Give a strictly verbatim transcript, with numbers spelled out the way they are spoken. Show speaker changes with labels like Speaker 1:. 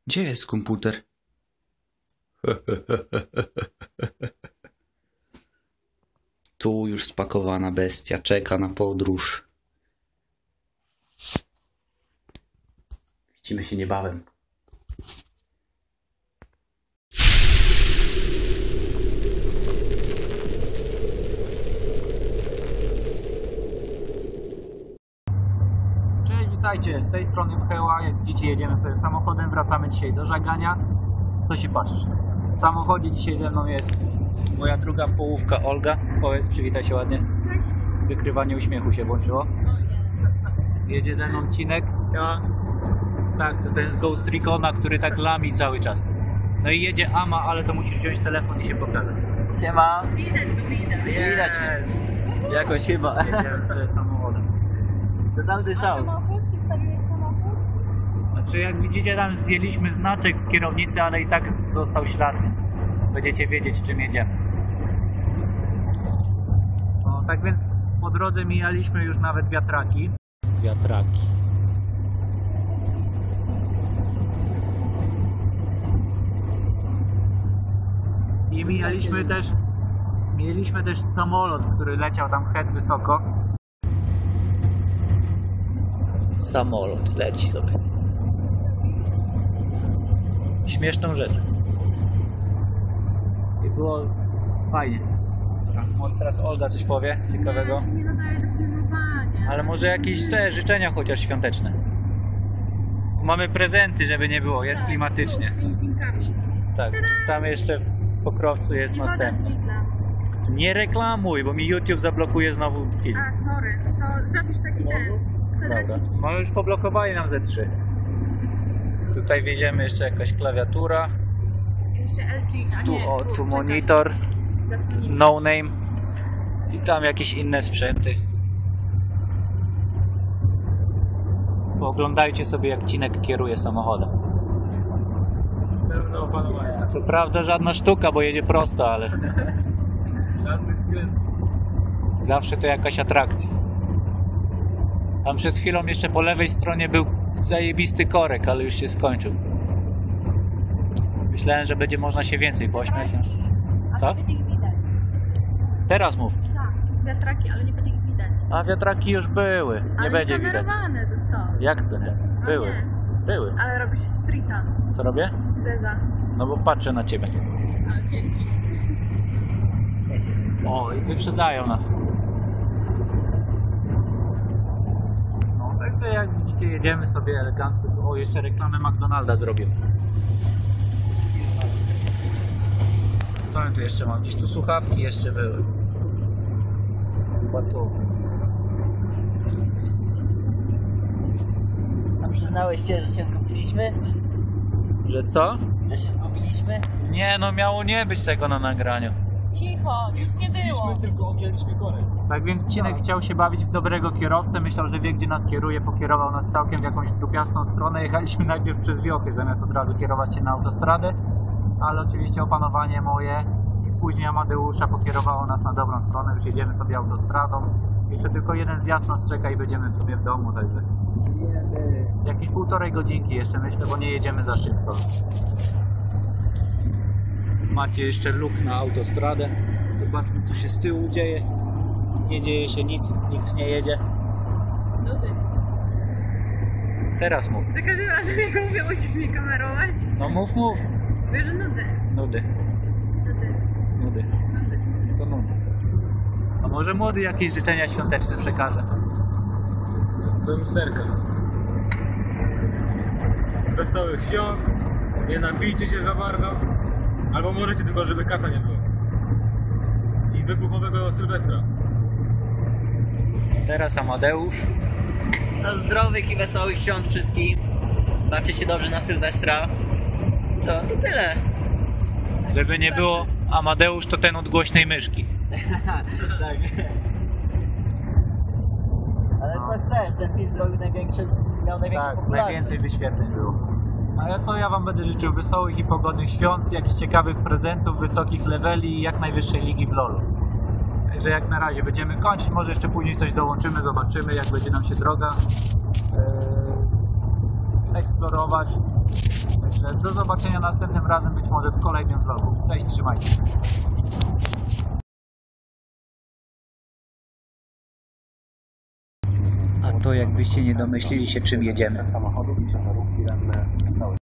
Speaker 1: Gdzie jest komputer? Tu już spakowana bestia czeka na podróż. Widzimy się niebawem.
Speaker 2: Cześć, witajcie, z tej strony Mcheła. Jak widzicie, jedziemy sobie samochodem, wracamy dzisiaj do Żagania. Co się patrzysz? W samochodzie dzisiaj ze mną jest moja druga połówka Olga. Powiedz, przywitaj się ładnie.
Speaker 3: Cześć.
Speaker 2: Wykrywanie uśmiechu się włączyło. Jedzie ze mną Cinek. Siema. Tak, to ten z Ghost Recona, który tak lami cały czas. No i jedzie Ama, ale to musisz wziąć telefon i się pokazać.
Speaker 4: Siema.
Speaker 3: Widać go, widać.
Speaker 4: Widać mnie. Jakoś chyba.
Speaker 2: Jedziemy sobie samochodem.
Speaker 4: Totalny
Speaker 3: A
Speaker 4: szał.
Speaker 3: samochód? Przedstawiłeś samochód?
Speaker 2: Znaczy, jak widzicie, tam zdjęliśmy znaczek z kierownicy, ale i tak został ślad, więc będziecie wiedzieć, czym jedziemy. No, tak więc po drodze mijaliśmy już nawet wiatraki. Wiatraki. I mijaliśmy też, mieliśmy też samolot, który leciał tam head wysoko. Samolot leci sobie. Śmieszną rzecz. I było fajnie. Może teraz Olga coś powie ciekawego.
Speaker 3: Ja się nie nadaje do filmowania.
Speaker 2: Ale może jakieś te życzenia chociaż świąteczne. Mamy prezenty, żeby nie było. Jest klimatycznie.
Speaker 3: Z Filipinkami.
Speaker 2: Tak. Tam jeszcze w Pokrowcu jest
Speaker 3: I woda z
Speaker 2: następny.
Speaker 3: Lidla.
Speaker 2: Nie reklamuj, bo mi YouTube zablokuje znowu film.
Speaker 3: A, sorry. To zapisz taki ten.
Speaker 2: Dobra.
Speaker 3: kwadracik.
Speaker 2: No już poblokowali nam ze trzy. Tutaj wieziemy jeszcze jakaś klawiatura.
Speaker 3: Jeszcze L G. A
Speaker 2: Tu,
Speaker 3: nie,
Speaker 2: o, tu
Speaker 3: czekaj.
Speaker 2: monitor.
Speaker 3: Zasłoniki.
Speaker 2: No name. I tam jakieś inne sprzęty. Pooglądajcie sobie, jak Cinek kieruje samochodem.
Speaker 4: Pełne opanowanie.
Speaker 2: Co prawda żadna sztuka, bo jedzie prosto, ale
Speaker 4: Żadnych skrętów.
Speaker 2: zawsze to jakaś atrakcja. Tam przed chwilą jeszcze po lewej stronie był zajebisty korek, ale już się skończył. Myślałem, że będzie można się więcej pośmiać.
Speaker 3: A
Speaker 2: Co?
Speaker 3: nie będzie ich widać.
Speaker 2: Teraz mów.
Speaker 3: Tak, wiatraki, ale nie będzie ich widać.
Speaker 2: A wiatraki już były. Nie
Speaker 3: ale
Speaker 2: będzie widać.
Speaker 3: kamerowane, to co?
Speaker 2: Jak to nie?
Speaker 3: No
Speaker 2: Były.
Speaker 3: nie.
Speaker 2: Były.
Speaker 3: Ale robisz streeta.
Speaker 2: Co robię?
Speaker 3: Zeza.
Speaker 2: No bo patrzę na ciebie.
Speaker 3: A, dzięki.
Speaker 2: O, i wyprzedzają nas. No, także jak widzicie, jedziemy sobie elegancko. O, jeszcze reklamę McDonalda zrobię. Co ja tu jeszcze mam? Gdzieś tu słuchawki jeszcze były. Chyba tu.
Speaker 4: A przyznałeś się, że się zgubiliśmy?
Speaker 2: Że co?
Speaker 4: Że się zgubiliśmy?
Speaker 2: Nie, no miało nie być tego na nagraniu.
Speaker 3: Cicho, nic nie było.
Speaker 4: Tylko objęliśmy korek.
Speaker 2: Tak więc Cinek chciał się bawić w dobrego kierowcę, myślał, że wie, gdzie nas kieruje, pokierował nas całkiem w jakąś dupiastą stronę. Jechaliśmy najpierw przez wiochy, zamiast od razu kierować się na autostradę, ale oczywiście opanowanie moje i później Amadeusza pokierowało nas na dobrą stronę, już jedziemy sobie autostradą. Jeszcze tylko jeden zjazd nas czeka i będziemy sobie w domu, także jakieś półtorej godzinki jeszcze myślę, bo nie jedziemy za szybko. Macie jeszcze luk na autostradę. Zobaczmy, co się z tyłu dzieje. Nie dzieje się nic, nikt nie jedzie.
Speaker 3: Nudy.
Speaker 2: Teraz mów.
Speaker 3: Za każdym razem jak mówię, musisz mnie kamerować.
Speaker 2: No mów, mów.
Speaker 3: Mówię, że nudy.
Speaker 2: Nudy,
Speaker 3: Nudy.
Speaker 2: nudy.
Speaker 3: Nudy.
Speaker 2: To nudy. A może młody jakieś życzenia świąteczne przekaże?
Speaker 4: Do lusterka. Wesołych świąt. Nie nabijcie się za bardzo. Albo możecie tylko, żeby kaca nie było. I wybuchowego Sylwestra.
Speaker 2: Teraz Amadeusz.
Speaker 4: No zdrowych i wesołych świąt wszystkim. Bawcie się dobrze na Sylwestra. Co? To tyle.
Speaker 2: Żeby nie było, Amadeusz to ten od głośnej myszki.
Speaker 4: Tak. Ale co chcesz? Ten film zrobił największy, miał największą
Speaker 2: Tak,
Speaker 4: popularność.
Speaker 2: najwięcej wyświetleń było. A ja co, ja wam będę życzył wesołych i pogodnych świąt, jakichś ciekawych prezentów, wysokich leveli i jak najwyższej ligi w lolu. Także jak na razie będziemy kończyć, może jeszcze później coś dołączymy, zobaczymy jak będzie nam się droga. Eee, eksplorować. Także do zobaczenia następnym razem, być może w kolejnym vlogu. Cześć, trzymajcie się.
Speaker 5: A to jakbyście nie domyślili się, czym jedziemy.
Speaker 6: Samochodów i ciężarówki